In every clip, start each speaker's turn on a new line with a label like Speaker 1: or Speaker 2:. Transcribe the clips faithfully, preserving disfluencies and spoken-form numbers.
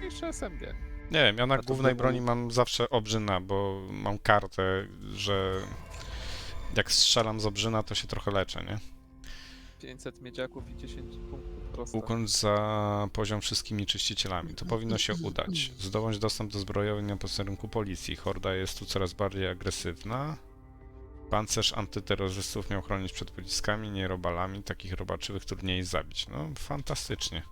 Speaker 1: czy S M G?
Speaker 2: Nie wiem, ja na
Speaker 3: to
Speaker 2: głównej
Speaker 3: był-
Speaker 2: broni mam zawsze obrzyna, bo mam kartę, że jak strzelam z obrzyna, to się trochę leczę, nie?
Speaker 1: pięćset miedziaków i dziesięć punktów prosto.
Speaker 2: Ukończ za poziom wszystkimi czyścicielami. To powinno się udać. Zdobądź dostęp do zbrojowni na posterunku policji. Horda jest tu coraz bardziej agresywna. Pancerz antyterrorystów miał chronić przed pociskami, nie robalami. Takich robaczywych trudniej zabić. No, fantastycznie.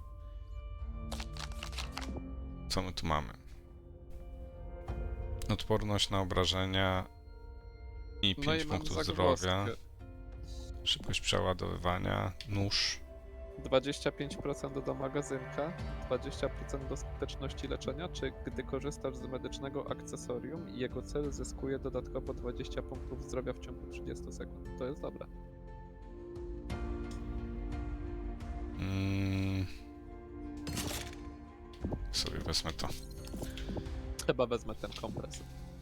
Speaker 2: Co my tu mamy? Odporność na obrażenia i
Speaker 1: No
Speaker 2: pięć
Speaker 1: i mam
Speaker 2: punktów
Speaker 1: zagwozdkę.
Speaker 2: zdrowia. Szybkość przeładowywania. Nóż.
Speaker 1: dwadzieścia pięć procent do magazynka, dwadzieścia procent do skuteczności leczenia, czy gdy korzystasz z medycznego akcesorium i jego cel zyskuje dodatkowo dwadzieścia punktów zdrowia w ciągu trzydziestu sekund. To jest dobre.
Speaker 2: Mm. Sobie wezmę to.
Speaker 1: Chyba wezmę ten kompres.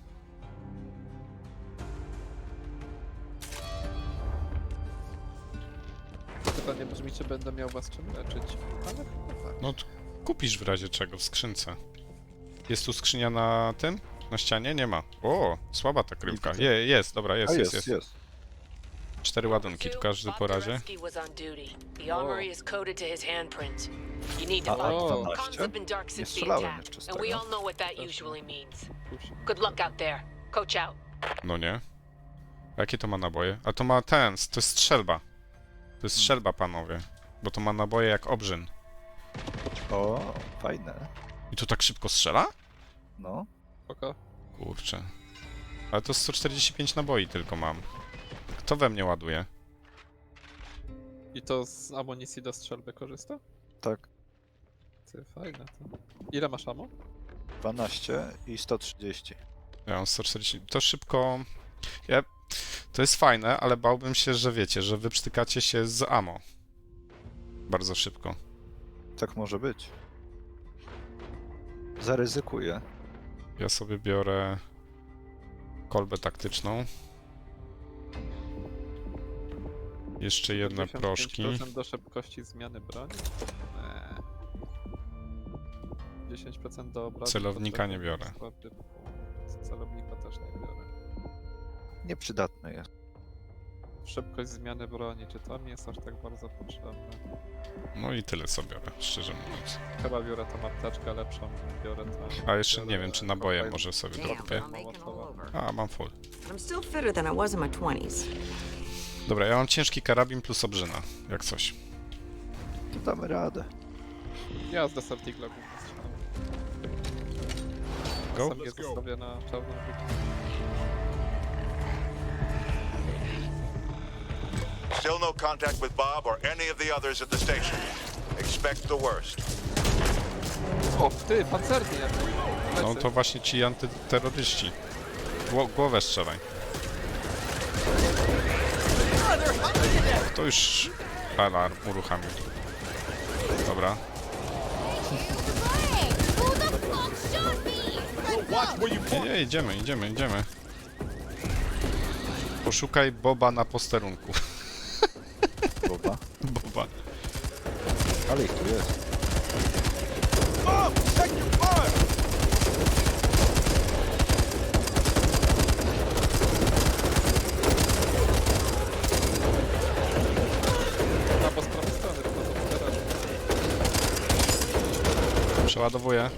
Speaker 1: Pytanie brzmi, czy będę miał was czym leczyć. Ale chyba tak.
Speaker 2: No to kupisz w razie czego w skrzynce. Jest tu skrzynia na tym? Na ścianie? Nie ma. O, słaba ta kryjówka.
Speaker 3: widzę.
Speaker 2: Je, jest, dobra, jest,
Speaker 3: A
Speaker 2: jest,
Speaker 3: jest,
Speaker 2: jest.
Speaker 3: jest.
Speaker 2: Cztery ładunki, tu każdy po razie.
Speaker 4: Bob was on duty. The armory is coded to his handprint. You need to
Speaker 3: A,
Speaker 4: find
Speaker 1: o,
Speaker 4: him.
Speaker 3: dwanaście?
Speaker 4: Comms have been dark
Speaker 3: Nie
Speaker 4: since the
Speaker 3: strzelałem
Speaker 4: attack,
Speaker 3: jeszcze z
Speaker 4: and we
Speaker 3: tego.
Speaker 4: all know what that
Speaker 1: Też
Speaker 4: usually
Speaker 1: nie.
Speaker 4: means.
Speaker 1: Kusi.
Speaker 4: Good luck out there. Coach out.
Speaker 2: No nie. A jakie to ma naboje? A to ma ten, to jest strzelba. To jest strzelba, panowie. Bo to ma naboje jak obrzyn.
Speaker 3: O, fajne.
Speaker 2: I to tak szybko strzela?
Speaker 3: No.
Speaker 1: Spoko.
Speaker 2: Kurczę. Ale to sto czterdzieści pięć naboi tylko mam. Kto we mnie ładuje?
Speaker 1: I to z amunicji do strzelby korzysta?
Speaker 3: Tak.
Speaker 1: Ty, fajne to. Ile masz ammo?
Speaker 3: dwanaście i sto trzydzieści.
Speaker 2: Ja mam sto czterdzieści. To szybko. Ja... To jest fajne, ale bałbym się, że wiecie, że wy przytykacie się z ammo. Bardzo szybko.
Speaker 3: Tak może być. Zaryzykuję.
Speaker 2: Ja sobie biorę kolbę taktyczną. Jeszcze jedne proszki.
Speaker 1: pięćdziesiąt pięć procent do szybkości zmiany broni? Eee. dziesięć procent do obrazu.
Speaker 2: Celownika nie biorę.
Speaker 1: Celownika też nie biorę.
Speaker 3: Nieprzydatny jest.
Speaker 1: Szybkość zmiany broni, czy to mi jest aż tak bardzo potrzebne?
Speaker 2: No i tyle co biorę, szczerze mówiąc.
Speaker 1: Chyba biorę tą apteczkę lepszą, biorę to.
Speaker 2: A jeszcze nie wiem, czy naboje może sobie
Speaker 5: Damn,
Speaker 2: dokupię.
Speaker 5: I'm making all over.
Speaker 2: A, mam full.
Speaker 5: But I'm still fitter than I was in my twenties.
Speaker 2: Dobra, ja mam ciężki karabin plus obrzyna, jak coś.
Speaker 3: To damy radę.
Speaker 1: Ja z Desert Eagle'a głównie strzelam.
Speaker 2: Go?
Speaker 1: Sobie zostawię na czarną wódkę.
Speaker 6: Still no contact with Bob or any of the others at the station. Expect the worst.
Speaker 1: O, ty, pancerny jak
Speaker 2: No to właśnie ci antyterroryści. Gło głowę strzelaj. To już alarm uruchamił. Dobra. Nie, nie, idziemy, idziemy, idziemy. Poszukaj Boba na posterunku.
Speaker 3: Boba.
Speaker 2: Boba.
Speaker 3: Ale ich tu jest.
Speaker 1: A, bo z prawej strony, tylko to po garażu.
Speaker 2: Przeładowuję.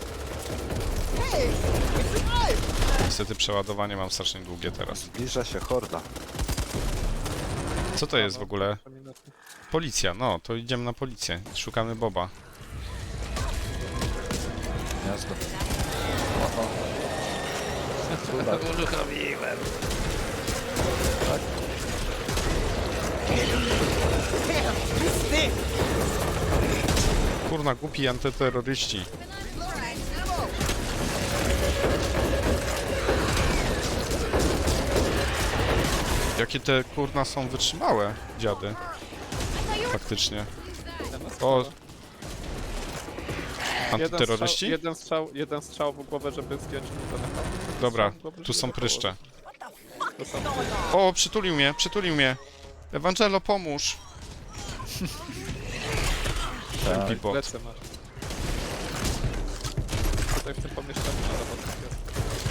Speaker 2: Niestety przeładowanie mam strasznie długie teraz.
Speaker 3: Zbliża się horda.
Speaker 2: Co to jest w ogóle?
Speaker 1: Minuty.
Speaker 2: Policja, no, to idziemy na policję. Szukamy Boba.
Speaker 3: Gniazdo. Oho. Cuda.
Speaker 1: Uruchomiłem.
Speaker 3: Tak.
Speaker 2: Kurna, głupi antyterroryści. Jakie te kurna są wytrzymałe, dziady. Faktycznie. O,
Speaker 1: Jeden strzał,
Speaker 2: antyterroryści?
Speaker 1: jeden strzał, jeden strzał w głowę, żeby zdjąć mu telefon.
Speaker 2: Dobra,
Speaker 1: Strzał w głowę,
Speaker 2: tu
Speaker 1: żeby
Speaker 2: są
Speaker 1: go
Speaker 2: pryszcze.
Speaker 1: położyć. To są
Speaker 2: O, przytulił mnie, przytulił mnie. Ewangelo, pomóż.
Speaker 3: Tak.
Speaker 2: Bot.
Speaker 1: plecy masz. Tutaj w tym pomieszczeniu na dowodach jest.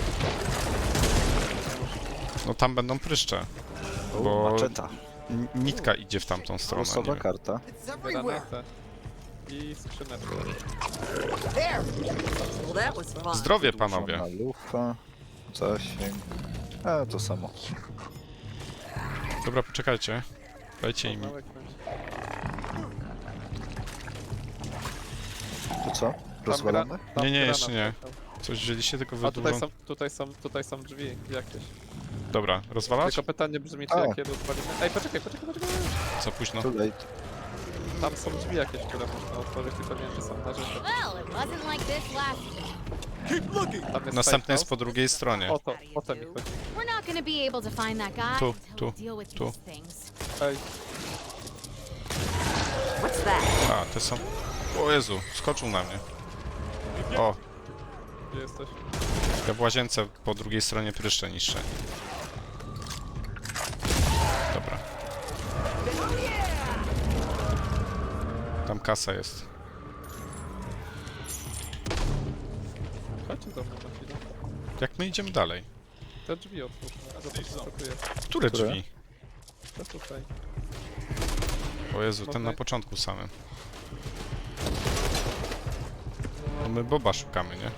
Speaker 2: No tam będą pryszcze.
Speaker 3: O,
Speaker 2: Bo-
Speaker 3: maczeta.
Speaker 2: N- Nitka idzie w tamtą stronę.
Speaker 3: Losowa
Speaker 2: Nie?
Speaker 3: karta.
Speaker 1: Granatę. I skrzyneczkę.
Speaker 5: Well, that was fun.
Speaker 2: Zdrowie, panowie.
Speaker 3: Żona lufa. Zasięg. A, to samo.
Speaker 2: Dobra, poczekajcie. Dajcie im.
Speaker 1: Małe kręci.
Speaker 3: To co?
Speaker 1: Tam
Speaker 3: Rozwalamy?
Speaker 1: gra- tam
Speaker 2: Nie, nie,
Speaker 1: granat
Speaker 2: jeszcze nie.
Speaker 1: leciał.
Speaker 2: Coś wzięliście, tylko
Speaker 1: A tutaj
Speaker 2: wydłużą.
Speaker 1: są, tutaj są, tutaj są drzwi jakieś.
Speaker 2: Dobra, rozwalać?
Speaker 1: Tylko pytanie brzmi, czy
Speaker 3: A.
Speaker 1: jakie rozwalimy. Ej, poczekaj, poczekaj, poczekaj.
Speaker 2: Za późno.
Speaker 3: Too late.
Speaker 1: Tam są drzwi jakieś, które można otworzyć, tylko nie wiem, czy są na rzeczy.
Speaker 7: Well, it wasn't like this last.
Speaker 1: Tam jest
Speaker 2: Następny jest
Speaker 1: safe
Speaker 2: po drugiej stronie.
Speaker 1: house. O to, o to mi chodzi.
Speaker 7: We're not gonna be able to find that guy
Speaker 2: Tu,
Speaker 7: until
Speaker 2: tu,
Speaker 7: we deal with
Speaker 2: tu.
Speaker 7: these things.
Speaker 1: Ej,
Speaker 5: What's that?
Speaker 2: A, te są... O Jezu, skoczył na mnie. O,
Speaker 1: gdzie jesteś?
Speaker 2: ja w łazience po drugiej stronie pryszcze niższe. Dobra. Tam kasa jest.
Speaker 1: Chodźcie do mnie na chwilę.
Speaker 2: Jak my idziemy dalej?
Speaker 1: Te drzwi otwórz. Zobacz, co tu jest.
Speaker 2: Które
Speaker 3: Które?
Speaker 2: drzwi?
Speaker 1: To tutaj.
Speaker 2: O Jezu, ten na początku samym. No my Boba szukamy, nie?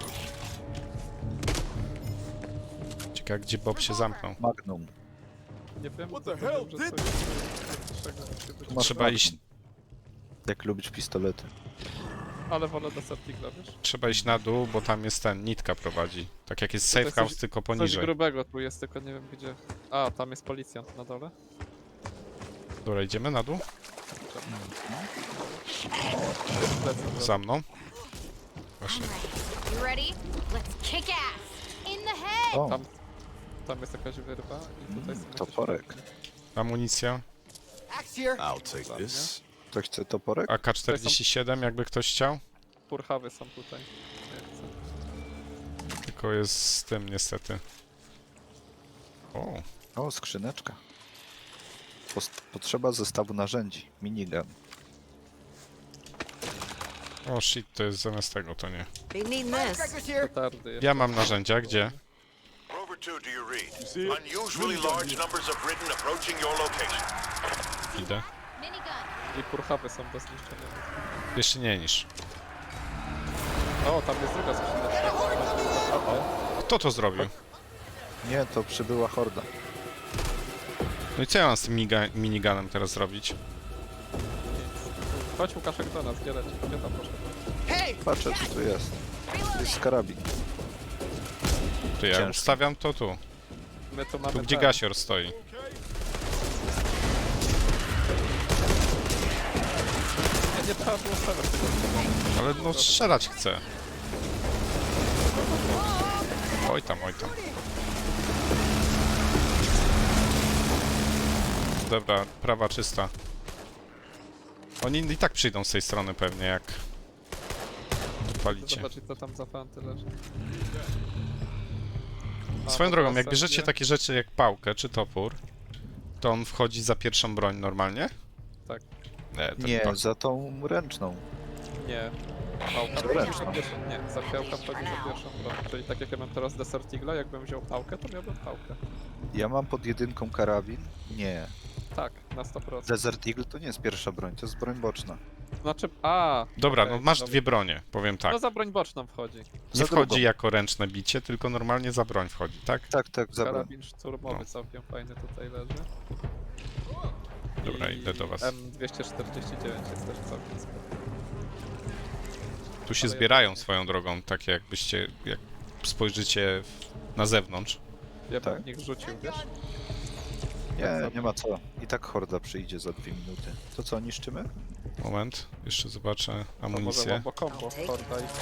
Speaker 2: Ciekawe, gdzie Bob się zamknął.
Speaker 3: Magnum.
Speaker 1: Nie wiem, co to wiem, że coś większego musi być.
Speaker 3: Tu masz
Speaker 2: Trzeba
Speaker 3: Magnum.
Speaker 2: iść,
Speaker 3: Jak lubić pistolety.
Speaker 1: Ale wolę Desert Eagle'a, wiesz?
Speaker 2: trzeba iść na dół, bo tam jest ten, nitka prowadzi. Tak jak jest
Speaker 1: Tutaj
Speaker 2: safe
Speaker 1: coś-
Speaker 2: house, tylko
Speaker 1: Coś
Speaker 2: poniżej.
Speaker 1: grubego tu jest, tylko nie wiem gdzie. A, tam jest policjant na dole.
Speaker 2: Dobra, idziemy na dół?
Speaker 1: Lecę do-
Speaker 2: Za mną. Właśnie.
Speaker 7: Alright, you ready? Let's kick ass! In the head!
Speaker 3: O,
Speaker 1: Tam, tam jest jakaś wyrwa i tutaj są jakieś
Speaker 3: toporek.
Speaker 1: fajki.
Speaker 2: Amunicja.
Speaker 6: I'll take
Speaker 1: Dla
Speaker 6: this.
Speaker 3: Ktoś chce toporek?
Speaker 2: A K czterdzieści siedem, jakby ktoś chciał.
Speaker 1: Purchawy są tutaj. Nie chcę.
Speaker 2: Tylko jest z tym niestety. O,
Speaker 3: O, skrzyneczka. Post- Potrzeba zestawu narzędzi. Minigun.
Speaker 2: o shit, to jest zamiast tego, to nie.
Speaker 5: Be needing this.
Speaker 1: Petardy jeszcze.
Speaker 2: Ja mam narzędzia, gdzie?
Speaker 6: Rover two, do you read? Unusually large numbers of Britain approaching your location.
Speaker 2: Idę.
Speaker 7: Minigun!
Speaker 1: I purchawy są do zniszczenia.
Speaker 2: Jeszcze nie niż.
Speaker 1: O, tam jest druga skrzyneczka.
Speaker 2: Kto to zrobił?
Speaker 3: Nie, to przybyła horda.
Speaker 2: No i co ja mam z tym miga- miniganem teraz zrobić?
Speaker 1: Chodź Łukaszek do nas, gdzie leci? Gdzie tam poszedł?
Speaker 3: Patrzę, co tu jest. To jest karabin.
Speaker 2: To ja
Speaker 3: Ciężko.
Speaker 2: ustawiam to tu.
Speaker 1: My tu mamy
Speaker 2: Tu gdzie
Speaker 1: ten.
Speaker 2: gasior stoi.
Speaker 1: Nie, nie trzeba było stawiać tego.
Speaker 2: Ale no strzelać chcę. Oj tam, oj tam. Dobra, prawa czysta. Oni i tak przyjdą z tej strony pewnie, jak palicie.
Speaker 1: Zobaczyć co tam za fanty leży. A,
Speaker 2: Swoją
Speaker 1: no
Speaker 2: drogą,
Speaker 1: to
Speaker 2: jak
Speaker 1: sobie-
Speaker 2: bierzecie takie rzeczy jak pałkę czy topór, to on wchodzi za pierwszą broń normalnie?
Speaker 1: Tak.
Speaker 2: Nie, to
Speaker 3: Nie,
Speaker 2: to,
Speaker 3: za tą ręczną.
Speaker 1: Nie. Pałka
Speaker 3: Za
Speaker 1: wchodzi
Speaker 3: ręczną.
Speaker 1: za pierwszą, nie, zapiałka wchodzi za pierwszą broń. Czyli tak jak ja mam teraz Desert Eagle'a, jakbym wziął pałkę, to miałbym pałkę.
Speaker 3: Ja mam pod jedynką karabin. Nie.
Speaker 1: Tak, na sto procent.
Speaker 3: Desert Eagle to nie jest pierwsza broń, to jest broń boczna.
Speaker 1: Znaczy, a.
Speaker 2: Dobra,
Speaker 1: okej,
Speaker 2: no masz
Speaker 1: dobra.
Speaker 2: dwie bronie, powiem tak.
Speaker 1: No za broń boczną wchodzi.
Speaker 2: Nie
Speaker 3: za
Speaker 2: wchodzi
Speaker 3: drugą.
Speaker 2: jako ręczne bicie, tylko normalnie za broń wchodzi, tak?
Speaker 3: Tak, tak, za broń.
Speaker 1: Karabin szturmowy
Speaker 2: No.
Speaker 1: całkiem fajny tutaj leży.
Speaker 2: Dobra,
Speaker 1: I
Speaker 2: idę do was.
Speaker 1: M dwieście czterdzieści dziewięć jest też całkiem spoko.
Speaker 2: Tu się
Speaker 1: ale
Speaker 2: zbierają
Speaker 1: ja-
Speaker 2: swoją drogą, takie jakbyście, jak spojrzycie w- na zewnątrz.
Speaker 1: Ja bym
Speaker 3: Tak.
Speaker 1: w nich rzucił, wiesz?
Speaker 3: Nie, nie ma co. I tak horda przyjdzie za dwie minuty. To co, niszczymy?
Speaker 2: Moment, jeszcze zobaczę
Speaker 1: To może
Speaker 2: amunicję.
Speaker 1: łambo combo, horda i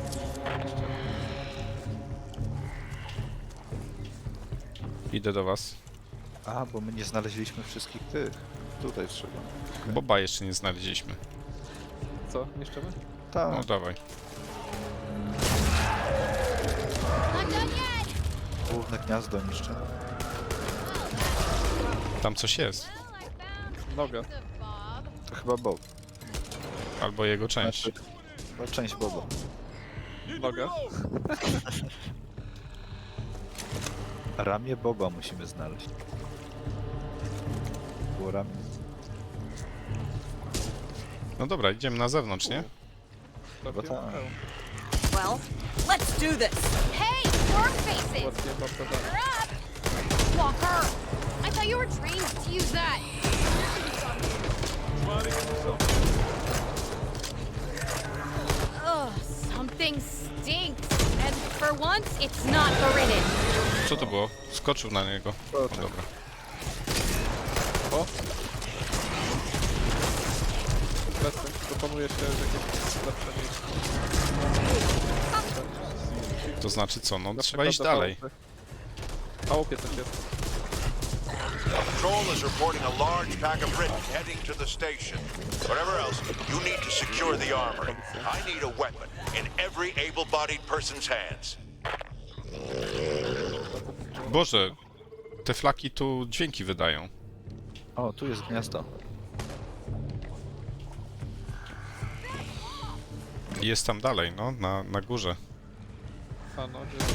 Speaker 2: Idę do was.
Speaker 3: A, bo my nie znaleźliśmy wszystkich tych. Tutaj trzeba.
Speaker 2: Boba jeszcze nie znaleźliśmy.
Speaker 1: Co, niszczymy?
Speaker 2: No
Speaker 3: Tak,
Speaker 2: dawaj.
Speaker 7: Not done yet!
Speaker 3: główne gniazdo niszczymy.
Speaker 2: Tam coś jest.
Speaker 7: Well, I found
Speaker 1: Noga.
Speaker 7: the Bob.
Speaker 3: To chyba Bob.
Speaker 2: Albo jego część.
Speaker 3: Znaczy, chyba część Boba.
Speaker 1: Nogę.
Speaker 3: Ramię Boba musimy znaleźć. Było ramię.
Speaker 2: No dobra, idziemy na zewnątrz, nie?
Speaker 1: Trafiłem
Speaker 3: tak.
Speaker 1: w hełm.
Speaker 5: Well, let's do this.
Speaker 7: Hey, storm faces!
Speaker 1: Ładnie bardzo dalej.
Speaker 7: You're up! Walker! I thought you were trained to use that. Ugh, something stinks. And for once, it's not the ridden.
Speaker 2: Co to było? Skoczył na niego. O, dobra.
Speaker 1: O! Lecę. Proponuję się jakieś lepsze miejsce.
Speaker 2: To znaczy co? No
Speaker 1: Na
Speaker 2: trzeba
Speaker 1: przykład
Speaker 2: iść
Speaker 1: do
Speaker 2: dalej.
Speaker 1: chałupy. W chałupie coś jest.
Speaker 6: Patrol is reporting a large pack of Britain heading to the station. Whatever else, you need to secure the armory. I need a weapon in every able-bodied person's hands.
Speaker 2: Boże, te flaki tu dźwięki wydają.
Speaker 3: O, tu jest gniazdo.
Speaker 2: I jest tam dalej, no, na, na górze.
Speaker 1: A no, gdzie...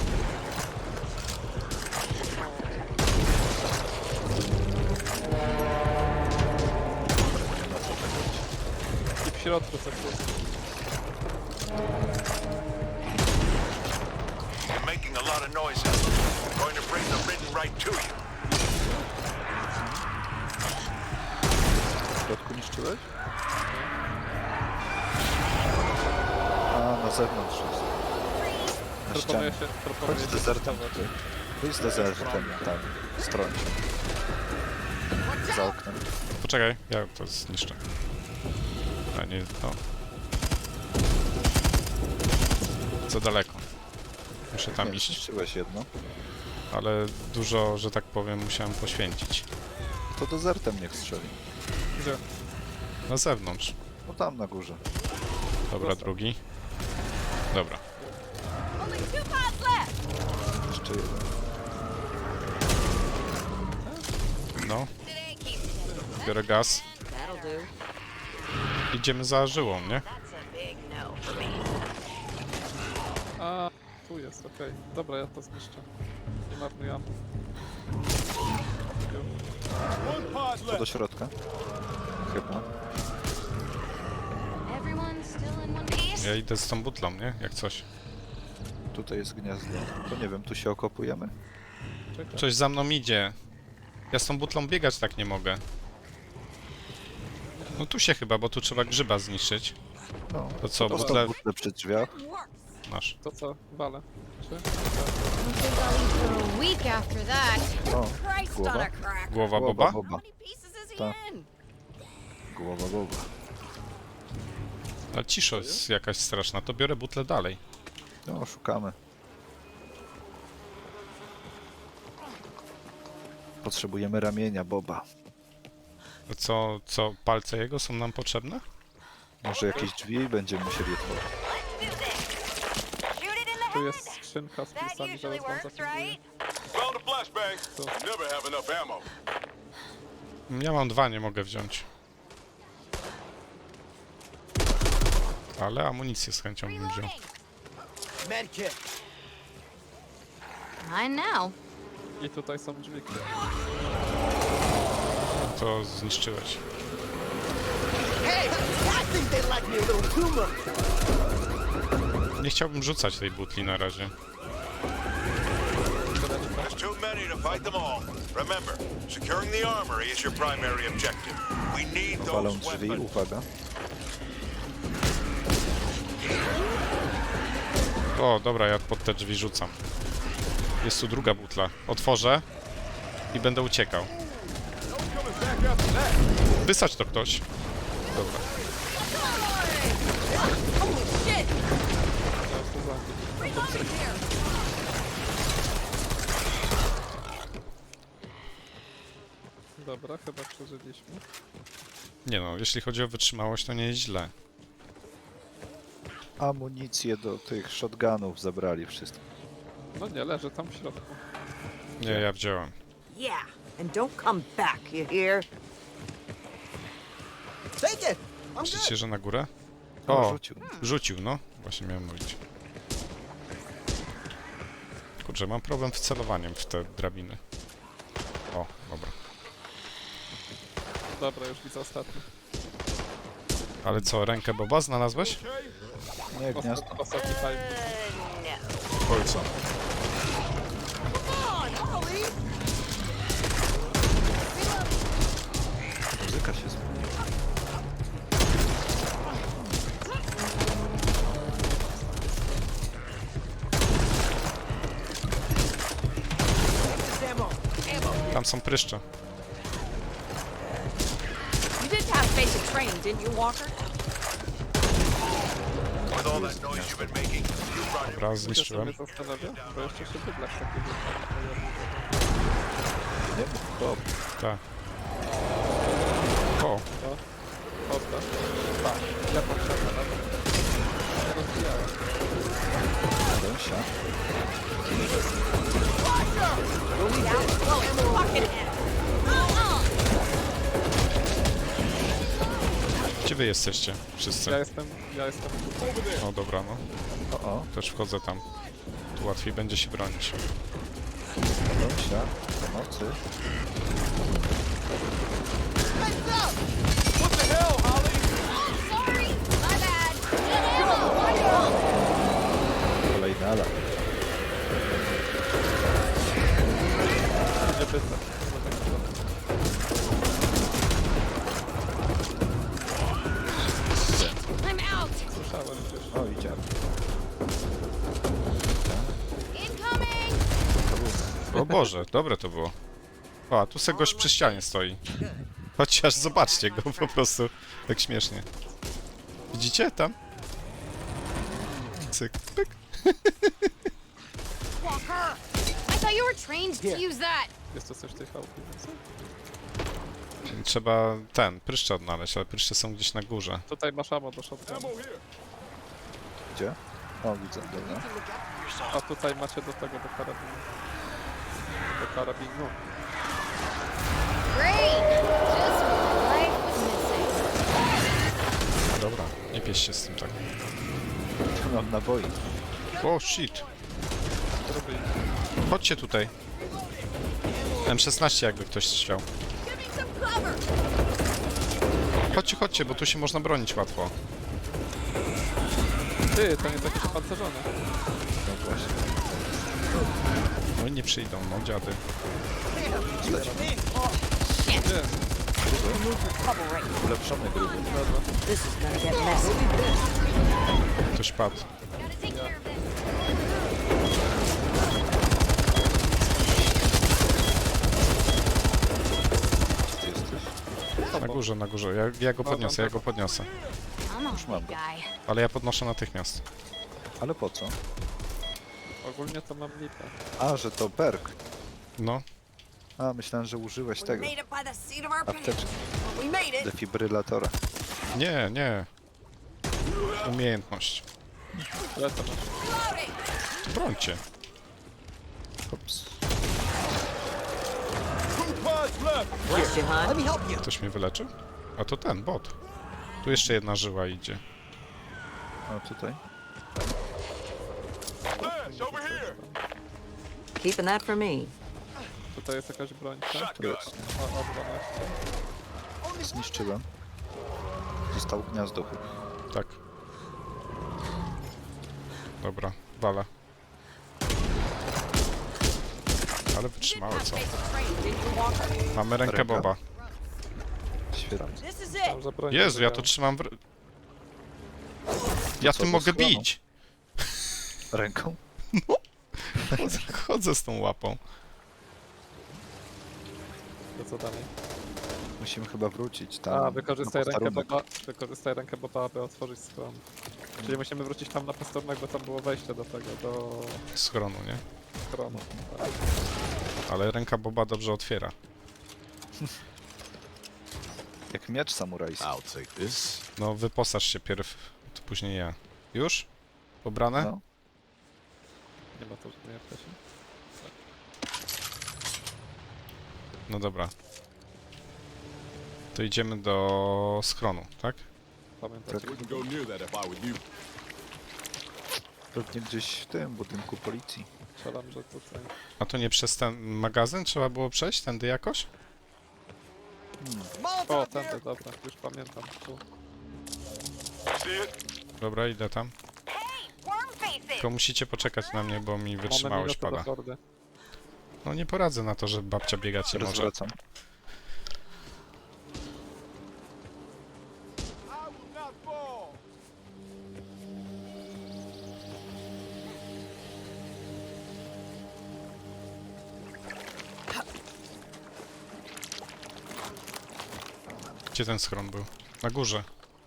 Speaker 1: I w środku coś jest.
Speaker 6: You're making a lot of noises. I'm going to bring the ridden right to you.
Speaker 3: W środku niszczyłeś? A, na zewnątrz jest. Na
Speaker 1: Proponuję
Speaker 3: ścianie.
Speaker 1: się, proponuję
Speaker 3: Chodź z
Speaker 1: się
Speaker 3: dezertem
Speaker 1: testować.
Speaker 3: tutaj. Wyjdź z dezertem, tam, w stronie. Za oknem.
Speaker 2: Poczekaj, ja to zniszczę. A nie, no. Za daleko. Muszę tam
Speaker 3: Nie,
Speaker 2: iść,
Speaker 3: zniszczyłeś jedno.
Speaker 2: ale dużo, że tak powiem, musiałem poświęcić.
Speaker 3: To dezertem niech strzeli.
Speaker 1: Gdzie?
Speaker 2: Na zewnątrz.
Speaker 3: No tam na górze.
Speaker 2: Dobra, drugi. Dobra.
Speaker 5: Only two pods left.
Speaker 3: Jeszcze jeden.
Speaker 2: No. Biorę gaz.
Speaker 5: That'll do.
Speaker 2: Idziemy za żyłą, nie?
Speaker 4: That's a big no for me.
Speaker 1: A, tu jest, okej. Dobra, ja to zniszczę. Nie marnuję ammo.
Speaker 3: To do środka. Chyba.
Speaker 7: Everyone's still in one piece?
Speaker 2: Ja idę z tą butlą, nie? Jak coś.
Speaker 3: Tutaj jest gniazdo. To nie wiem, tu się okopujemy?
Speaker 1: Czekaj.
Speaker 2: Coś za mną idzie. Ja z tą butlą biegać tak nie mogę. No tu się chyba, bo tu trzeba grzyba zniszczyć.
Speaker 3: No.
Speaker 2: To co,
Speaker 3: Dostał
Speaker 2: butle
Speaker 3: butlę przy drzwiach.
Speaker 2: masz.
Speaker 1: To co? Walę. Czy?
Speaker 7: I don't think I'll eat for a week after that.
Speaker 3: O,
Speaker 5: Christ on
Speaker 3: głowa.
Speaker 5: a crack.
Speaker 2: Głowa
Speaker 3: Głowa
Speaker 2: Boba?
Speaker 3: Boba.
Speaker 5: How many pieces is he
Speaker 3: Tak.
Speaker 5: in?
Speaker 3: Głowa Boba.
Speaker 2: Ale cisza jest jakaś straszna, to biorę butlę dalej.
Speaker 3: No, szukamy. Potrzebujemy ramienia Boba.
Speaker 2: A co, co, palce jego są nam potrzebne?
Speaker 3: Może jakieś drzwi będziemy musieli otworzyć.
Speaker 1: Tu jest skrzynka z pisami, zaraz wam zafunduję.
Speaker 6: Found a flashbang.
Speaker 1: So-
Speaker 6: Never have enough ammo.
Speaker 2: Ja mam dwa, nie mogę wziąć. Ale amunicję z chęcią bym wziął.
Speaker 7: Mine now.
Speaker 1: I tutaj są drzwi.
Speaker 2: To zniszczyłeś. Nie chciałbym rzucać tej butli na razie.
Speaker 6: There's too many to fight them all. Remember, securing the armory is your primary objective. We need
Speaker 3: Palą
Speaker 6: those
Speaker 3: drzwi,
Speaker 6: weapons.
Speaker 3: uwaga.
Speaker 2: O, dobra, ja pod te drzwi rzucam. Jest tu druga butla. Otworzę i będę uciekał. Wysać to ktoś. Dobra.
Speaker 1: Ja to zabiję. Dobra, chyba przeżyliśmy.
Speaker 2: Nie no, jeśli chodzi o wytrzymałość, to nie jest źle.
Speaker 3: Amunicję do tych shotgunów zabrali wszystko.
Speaker 1: No nie, leży tam w środku.
Speaker 2: Nie, ja wziąłem.
Speaker 5: Yeah, and don't come back, you hear? Take it. I'm
Speaker 2: Myślicie, że na górę?
Speaker 3: O,
Speaker 2: O,
Speaker 3: rzucił.
Speaker 2: rzucił, no. Właśnie miałem mówić. dobrze, mam problem z celowaniem w te drabiny. O, dobra.
Speaker 1: Dobra, już widzę ostatni.
Speaker 2: Ale co, rękę Boba znalazłeś?
Speaker 3: Nie, gniazdo.
Speaker 1: Osta- Ostatni time.
Speaker 2: Oj, co?
Speaker 3: Muzyka się zmieniła.
Speaker 2: Tam są pryszcze.
Speaker 5: You did have basic training, didn't you, Walker?
Speaker 6: With all that noise you've been making, you brought
Speaker 2: Dobra,
Speaker 1: Wiecie, co
Speaker 2: zniszczyłem.
Speaker 1: mnie zastanawia? Bo jeszcze się bydlak taki
Speaker 3: Nie mów, hop.
Speaker 2: Tak. O,
Speaker 1: Odda. Tak, ja mam siatę nawet. Nie rozbijałem.
Speaker 3: Ręsia.
Speaker 2: gdzie wy jesteście? Wszyscy?
Speaker 1: Ja jestem, ja jestem tutaj.
Speaker 2: O, dobra, no.
Speaker 3: O, o.
Speaker 2: Też wchodzę tam. Tu łatwiej będzie się bronić.
Speaker 3: Ręsia. Pomocy.
Speaker 7: Sorry, my bad.
Speaker 3: Kolejny alarm.
Speaker 1: Nie bydlak.
Speaker 7: I'm out.
Speaker 1: Słyszałem gdzieś.
Speaker 3: O, idziemy.
Speaker 7: Incoming.
Speaker 2: O Boże, dobre to było. O, a tu se gość przy ścianie stoi. Chociaż zobaczcie go po prostu. Tak śmiesznie. Widzicie tam? Cyk, pyk.
Speaker 7: Walker. I thought you were trained to use that.
Speaker 1: Jest to coś w tej chałupie, więcej?
Speaker 2: Trzeba ten, pryszcze odnaleźć, ale pryszcze są gdzieś na górze.
Speaker 1: Tutaj masz ammo do shotgunu.
Speaker 3: Gdzie? O, widzę, dobra.
Speaker 1: A tutaj macie do tego, do karabinu. Do karabinu.
Speaker 7: Great. Just what life was missing.
Speaker 2: Dobra, nie pieś się z tym tak.
Speaker 3: Tu mam naboi.
Speaker 2: O, shit.
Speaker 1: Zrobili.
Speaker 2: Chodźcie tutaj. M szesnaście jakby ktoś chciał. Chodźcie, chodźcie, bo tu się można bronić łatwo.
Speaker 1: Ty, to nie takie pancerzone.
Speaker 3: No właśnie.
Speaker 2: No i nie przyjdą, no dziady.
Speaker 1: Nie,
Speaker 3: Ulepszony gruby.
Speaker 5: This is gonna get messy.
Speaker 2: Ktoś padł.
Speaker 7: Gotta take care of this.
Speaker 3: Gdzie ty jesteś?
Speaker 2: Na górze, na górze. Ja, ja go podniosę, ja go podniosę.
Speaker 7: I'm a
Speaker 3: Już mam
Speaker 7: big
Speaker 3: go.
Speaker 7: guy.
Speaker 2: Ale ja podnoszę natychmiast.
Speaker 3: Ale po co?
Speaker 1: ogólnie to mam lipę.
Speaker 3: A, że to perk.
Speaker 2: No,
Speaker 3: A, myślałem, że użyłeś
Speaker 5: We
Speaker 3: tego.
Speaker 5: made it by the seat of our pants.
Speaker 3: Apteczki.
Speaker 5: We made it.
Speaker 3: Defibrylatora.
Speaker 2: nie, nie. Umiejętność.
Speaker 1: Ile to masz?
Speaker 2: To brońcie.
Speaker 3: Hops.
Speaker 5: Bless you, hon.
Speaker 2: Ktoś mnie wyleczył? A to ten, bot. Tu jeszcze jedna żyła idzie.
Speaker 3: O, tutaj.
Speaker 5: Keeping that for me.
Speaker 1: Tutaj jest jakaś broń, tak?
Speaker 3: Tu jest.
Speaker 1: O, o dwanaście.
Speaker 3: Zniszczyłem. Zostało gniazdo chyba.
Speaker 2: Tak. Dobra, wala. Ale wytrzymałe co?
Speaker 5: Basic training, didn't you, Walker?
Speaker 2: Mamy rękę
Speaker 3: Ręka.
Speaker 2: Boba.
Speaker 3: Świetnie.
Speaker 5: This is
Speaker 1: Tam
Speaker 5: it.
Speaker 1: za broń
Speaker 2: Jezu, ja to
Speaker 1: wybrałem.
Speaker 2: trzymam w... Ja
Speaker 3: co,
Speaker 2: tym
Speaker 3: do
Speaker 2: mogę
Speaker 3: schronu?
Speaker 2: bić!
Speaker 3: Ręką?
Speaker 2: Chodzę, chodzę z tą łapą.
Speaker 1: To co dalej?
Speaker 3: Musimy chyba wrócić tam.
Speaker 1: A, wykorzystaj
Speaker 3: na
Speaker 1: rękę
Speaker 3: posterunek.
Speaker 1: Boba, wykorzystaj rękę Boba, aby otworzyć schron. Czyli musimy wrócić tam na posterunek, bo tam było wejście do tego, do
Speaker 2: Schronu, nie?
Speaker 1: schronu. Tak.
Speaker 2: Ale ręka Boba dobrze otwiera.
Speaker 3: Jak miecz samurajski.
Speaker 6: I'll take this.
Speaker 2: No, wyposaż się pierw, to później ja. Już? Pobrane?
Speaker 3: No.
Speaker 1: Nie ma to żadnej apteki.
Speaker 2: No dobra. To idziemy do schronu, tak?
Speaker 1: Pamiętacie?
Speaker 6: Wouldn't go near that if I were you.
Speaker 3: Pewnie gdzieś w tym budynku policji.
Speaker 1: Strzelam, że tutaj.
Speaker 2: A to nie przez ten magazyn trzeba było przejść tędy jakoś?
Speaker 1: O, tędy, dobra, już pamiętam. Tu.
Speaker 2: Dobra, idę tam. Tylko musicie poczekać na mnie, bo mi wytrzymałość
Speaker 1: Mamy minutę
Speaker 2: pada.
Speaker 1: do hordy.
Speaker 2: No nie poradzę na to, że babcia biegać nie
Speaker 3: Teraz
Speaker 2: może.
Speaker 3: wracam.
Speaker 2: Gdzie ten schron był? Na górze.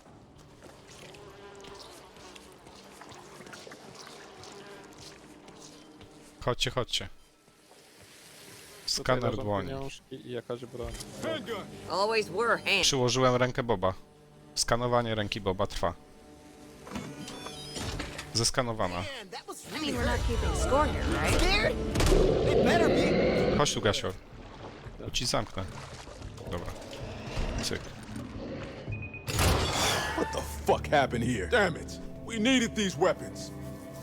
Speaker 2: Chodźcie, chodźcie.
Speaker 1: Tutaj
Speaker 2: Skaner
Speaker 1: leżą
Speaker 2: dłoni.
Speaker 1: pieniążki i jakaś broń.
Speaker 5: Always were handy.
Speaker 2: Przyłożyłem rękę Boba. Skanowanie ręki Boba trwa. Zeskanowana.
Speaker 5: I mean, we're not keeping score here, right?
Speaker 2: Chodź tu, Gasior. Tu ci zamknę. Dobra. Cyk.
Speaker 8: What the fuck happened here? Damn it! We needed these weapons.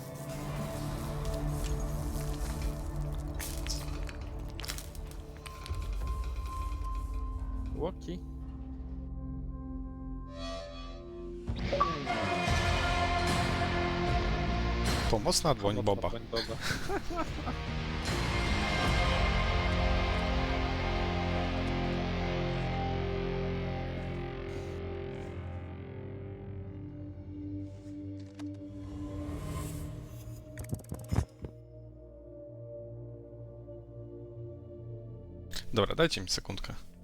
Speaker 1: Łoki.
Speaker 2: Pomocna dłoń
Speaker 1: Mocna
Speaker 2: Boba.
Speaker 1: broń Boba.
Speaker 2: Dobra, dajcie mi sekundkę.